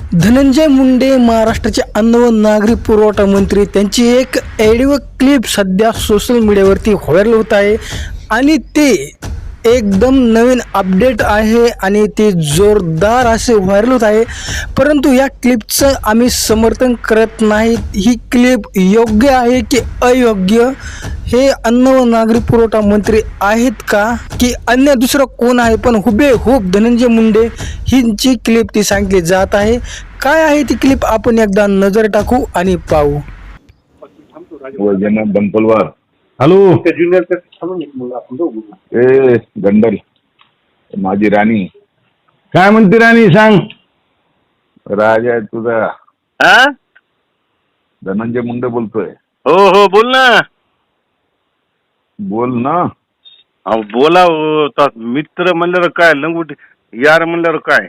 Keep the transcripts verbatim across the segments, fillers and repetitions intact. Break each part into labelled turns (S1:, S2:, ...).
S1: धनंजय मुंडे महाराष्ट्राचे अन्न व नागरी पुरवठा मंत्री त्यांची एक ऑडिओ क्लिप सध्या सोशल मीडियावरती व्हायरल होत आहे आणि ते एकदम नवीन अपडेट आहे आणि ते जोरदार असे व्हायरल होत आहे। परंतु या क्लिपचं आम्ही समर्थन करत नाही। ही क्लिप योग्य आहे की अयोग्य हे अन्न व नागरी पुरवठा मंत्री आहेत का की अन्य दुसरं कोण आहे, पण हुबेहूब धनंजय मुंडे हिंची क्लिप ती सांगितली जात आहे। काय आहे ती क्लिप आपण एकदा नजर टाकू आणि पाहू।
S2: वैजनाथ बनपलवार
S3: हॅलो
S2: ए गंडल माझी राणी
S3: काय म्हणते राणी सांग।
S2: राजा आहे तुझा
S4: हा
S2: धनंजय मुंडे बोलतोय।
S4: हो हो बोल ना।
S2: बोल ना।
S4: अहो बोला हो, आता मित्र म्हणल्यावर काय लंगोटी यार म्हणल्यावर काय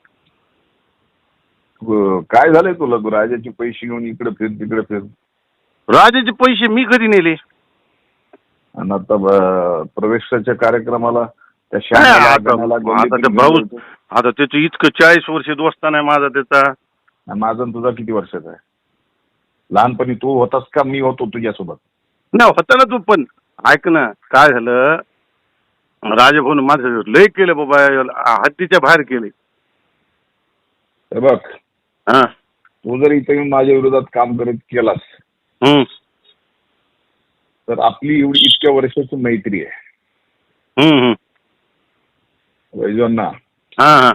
S2: अ, काय झालंय तुला? तू राजाचे पैसे घेऊन इकडे फिर तिकडे फिर
S4: राजाचे पैसे मी कधी नेले?
S2: आणि आता ब- प्रवेशाच्या कार्यक्रमाला त्या
S4: काय
S2: श्यामाला,
S4: आता
S2: गणाला,
S4: आता
S2: गल्लीत
S4: ते
S2: घेऊन
S4: भाऊ
S2: गेलो होतो.
S4: आता त्याचं इतकं चाळीस वर्ष दोस्ता नाही माझा त्याचा।
S2: आणि माझा आणि तुझा किती वर्षाचा आहे? लहानपणी तू होतास का मी होतो तुझ्यासोबत?
S4: ना होता ना तू, पण ऐक ना काय झालं, राजभवन माझं लय केलं बाबा, हद्दीच्या बाहेर केले।
S2: हे बघ,
S4: हा
S2: तू जर इथे येऊन माझ्या विरोधात काम करत केलास
S4: हम्म
S2: तर आपली एवढी इतक्या वर्षाची मैत्री आहे
S4: हम्म हम्म
S2: वैजवांना,
S4: हा हा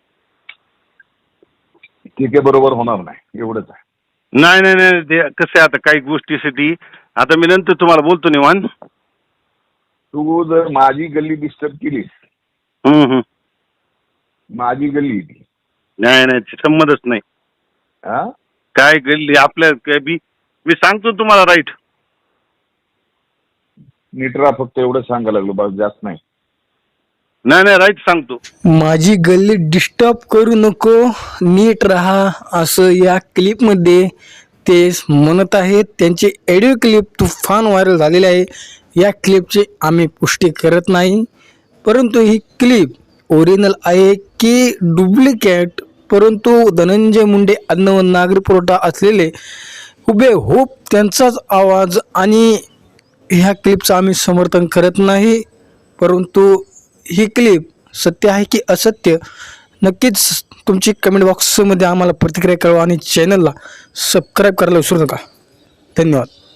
S2: ठीक आहे, बरोबर होणार नाही एवढंच आहे।
S4: नाही नाही नाही ते कसं आहे आता काही गोष्टीसाठी आता मी नंतर तुम्हाला बोलतो निवांत।
S2: तू जर माझी गल्ली डिस्टर्ब केलीस,
S4: हम्म हम्म
S2: माझी गल्ली ती
S4: नाही नाही ते संमतच नाही।
S2: हा
S4: काय गल्ली आपल्या काय बी मी सांगतो तुम्हाला राईट।
S2: नीट राहा, फक्त एवढं सांगायला लागलो, बस जास्त नाही।
S4: नाही नाही राईट सांगतो।
S1: माझी गल्ली डिस्टर्ब करू नको, नीट राहा असं या क्लिपमध्ये ते म्हणत आहेत। त्यांची ऑडिओ क्लिप तुफान व्हायरल झालेली आहे। या क्लिपची आम्ही पुष्टी करत नाही, परंतु ही क्लिप ओरिजिनल आहे की डुप्लिकेट, परंतु धनंजय मुंडे अन्न व नागरी पुरवठा असलेले हुबेहूब त्यांचाच आवाज आणि ह्या क्लिपचं आम्ही समर्थन करत नाही। परंतु ही क्लिप सत्य आहे की असत्य नक्कीच तुमची कमेंट बॉक्समध्ये आम्हाला प्रतिक्रिया कळवा आणि चॅनलला सबस्क्राईब करायला विसरू नका। धन्यवाद।